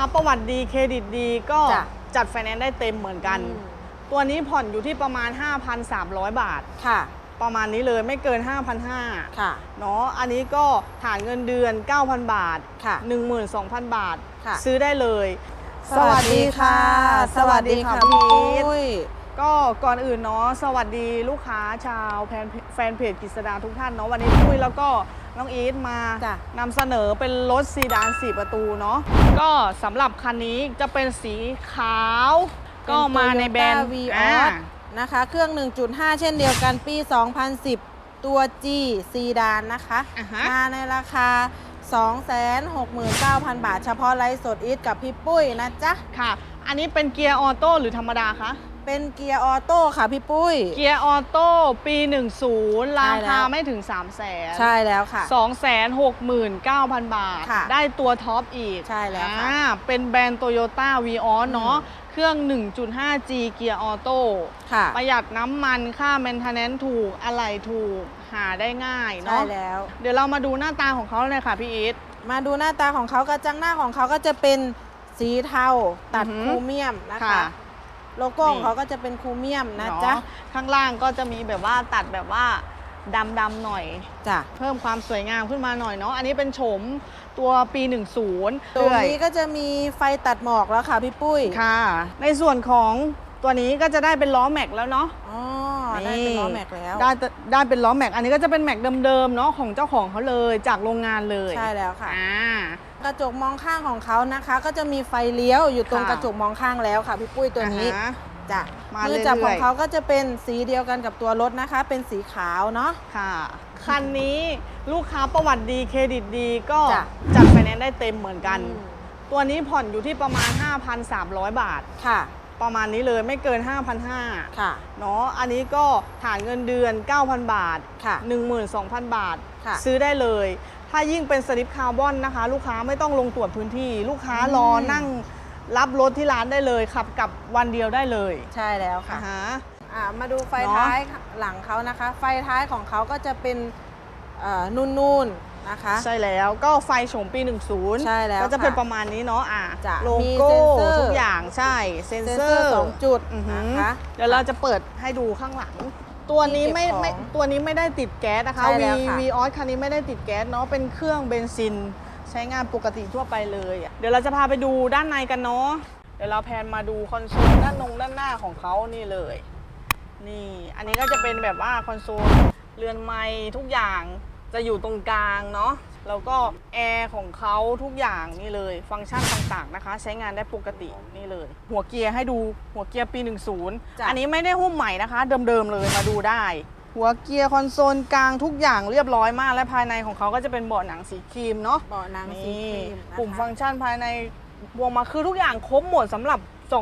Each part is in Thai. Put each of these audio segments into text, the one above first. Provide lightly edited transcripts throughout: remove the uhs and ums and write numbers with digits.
ประวัติดีเครดิตดีก็จัดไฟแนนซ์ได้เต็มเหมือนกันตัวนี้ผ่อนอยู่ที่ประมาณ 5,300 บาทค่ะประมาณนี้เลยไม่เกิน 5,500 ค่ะเนาะอันนี้ก็ฐานเงินเดือน 9,000 บาทค่ะ 12,000 บาทซื้อได้เลยสวัสดีค่ะสวัสดีค่ะพี่ปุ้ยก็ก่อนอื่นเนาะสวัสดีลูกค้าชาวแฟนเพจกฤษดาทุกท่านเนาะวันนี้ปุ้ยแล้วก็น้องอีทมานำเสนอเป็นรถซีดาน4ประตูเนาะก็สำหรับคันนี้จะเป็นสีขาวก็มาในแบรนด์ Vios นะคะเครื่อง 1.5 เช่นเดียวกันปี 2010 ตัว G ซีดานนะคะมาในราคา 269,000 บาทเฉพาะไลฟ์สดอีทกับพี่ปุ้ยนะจ๊ะค่ะอันนี้เป็นเกียร์ออโต้หรือธรรมดาคะเป็นเกียร์ออโต้ค่ะพี่ปุ้ยเกียร์ออโต้ปี 10ราคาไม่ถึง 300,000 ใช่แล้วค่ะ 269,000 บาทได้ตัวท็อปอีกใช่แล้วค่ะเป็นแบรนด์ Toyota Vios เนาะเครื่อง 1.5G เกียร์ออโต้ประหยัดน้ำมันค่า maintenance ถูกอะไหล่ถูกหาได้ง่ายเนาะใช่แล้วเดี๋ยวเรามาดูหน้าตาของเขาเลยค่ะพี่อีทมาดูหน้าตาของเขากระจังหน้าของเขาก็จะเป็นสีเทาตัดคูเมียมนะคะโลโก้ของเขาก็จะเป็นคูเมียมนะจ๊ะข้างล่างก็จะมีแบบว่าตัดแบบว่าดำๆหน่อยจ้ะเพิ่มความสวยงามขึ้นมาหน่อยเนาะอันนี้เป็นโฉมตัวปี 10 ตัวนี้ก็จะมีไฟตัดหมอกแล้วค่ะพี่ปุ้ยค่ะในส่วนของตัวนี้ก็จะได้เป็นล้อแม็กแล้วเนาะอ๋อได้เป็นล้อแม็กแล้วได้เป็นล้อแม็กอันนี้ก็จะเป็นแม็กเดิมๆเนาะของเจ้าของเขาเลยจากโรงงานเลยใช่แล้วค่ะกระจกมองข้างของเขานะคะก็จะมีไฟเลี้ยวอยู่ตรงกระจกมองข้างแล้วค่ะพี่ปุ้ยตัวนี้จ้ะมือจับของเขาก็จะเป็นสีเดียวกันกับตัวรถนะคะเป็นสีขาวเนาะค่ะคันนี้ลูกค้าประวัติดีเครดิตดีก็จัดไฟแนนซ์ได้เต็มเหมือนกันตัวนี้ผ่อนอยู่ที่ประมาณ 5,300 บาทค่ะประมาณนี้เลยไม่เกิน 5,500 ค่ะเนาะอันนี้ก็ฐานเงินเดือน 9,000 บาทค่ะ 12,000 บาทซื้อได้เลยถ้ายิ่งเป็นสลิปคาร์บอนนะคะลูกค้าไม่ต้องลงตรวจพื้นที่ลูกค้ารอนั่งรับรถที่ร้านได้เลยขับกลับวันเดียวได้เลยใช่แล้วค่ะมาดูไฟท้ายหลังเขานะคะไฟท้ายของเขาก็จะเป็นนุ่นๆนะคะใช่แล้วก็ไฟโฉมปี 10 ใช่แล้วก็จะเป็นประมาณนี้เนาะโลโก้ทุกอย่างใช่เซ็นเซอร์ 2 จุดนะคะเดี๋ยวเราจะเปิดให้ดูข้างหลังตัวนี้ไม่ได้ติดแก๊สนะคะViosคันนี้ไม่ได้ติดแก๊สเนาะเป็นเครื่องเบนซินใช้งานปกติทั่วไปเลยเดี๋ยวเราจะพาไปดูด้านในกันเนาะเดี๋ยวเราแพนมาดูคอนโซลด้านหน้าของเขานี่เลยนี่อันนี้ก็จะเป็นแบบว่าคอนโซลเรือนไม้ทุกอย่างจะอยู่ตรงกลางเนาะแล้วก็แอร์ของเขาทุกอย่างนี่เลยฟังก์ชันต่างๆนะคะใช้งานได้ปกตินี่เลยหัวเกียร์ให้ดูหัวเกียร์ปี 10อันนี้ไม่ได้หุ้มใหม่นะคะเดิมๆเลยมาดูได้หัวเกียร์คอนโซลกลางทุกอย่างเรียบร้อยมากและภายในของเขาก็จะเป็นเบาะหนังสีครีมเนาะเบาะหนังสีครีมปุ่มฟังก์ชันภายในบวกมาคือทุกอย่างครบหมดสำหรับ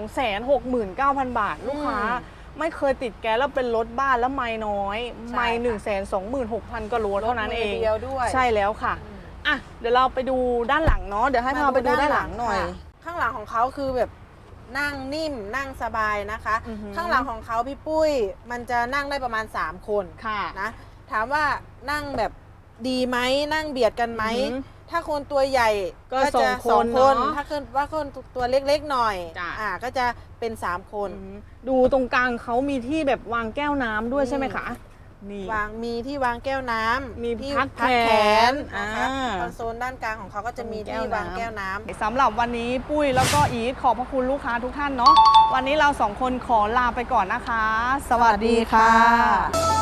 269,000 บาทลูกค้าไม่เคยติดแก๊สแล้วเป็นรถบ้านแล้วไม้น้อยไม้126,000 ก็โลเท่านั้นเองใช่แล้วค่ะอ่ะเดี๋ยวเราไปดูด้านหลังเนาะเดี๋ยวให้พาไปดูด้านหลังหน่อยข้างหลังของเขาคือแบบนั่งนิ่มนั่งสบายนะคะข้างหลังของเขาพี่ปุ้ยมันจะนั่งได้ประมาณ3 คนนะถามว่านั่งแบบดีไหมนั่งเบียดกันไหมถ้าคนตัวใหญ่ก็จะ2 คนถ้าว่าคนตัวเล็กๆหน่อยก็จะเป็น3 คนดูตรงกลางเขามีที่แบบวางแก้วน้ำด้วยใช่ไหมคะนี่มีที่วางแก้วน้ำมีที่พักแขนนะคะคอนโซลด้านกลางของเขาก็จะมีที่วางแก้วน้ำสำหรับวันนี้ปุ้ยแล้วก็อีทขอบพระคุณลูกค้าทุกท่านเนาะวันนี้เรา2 คนขอลาไปก่อนนะคะสวัสดีค่ะ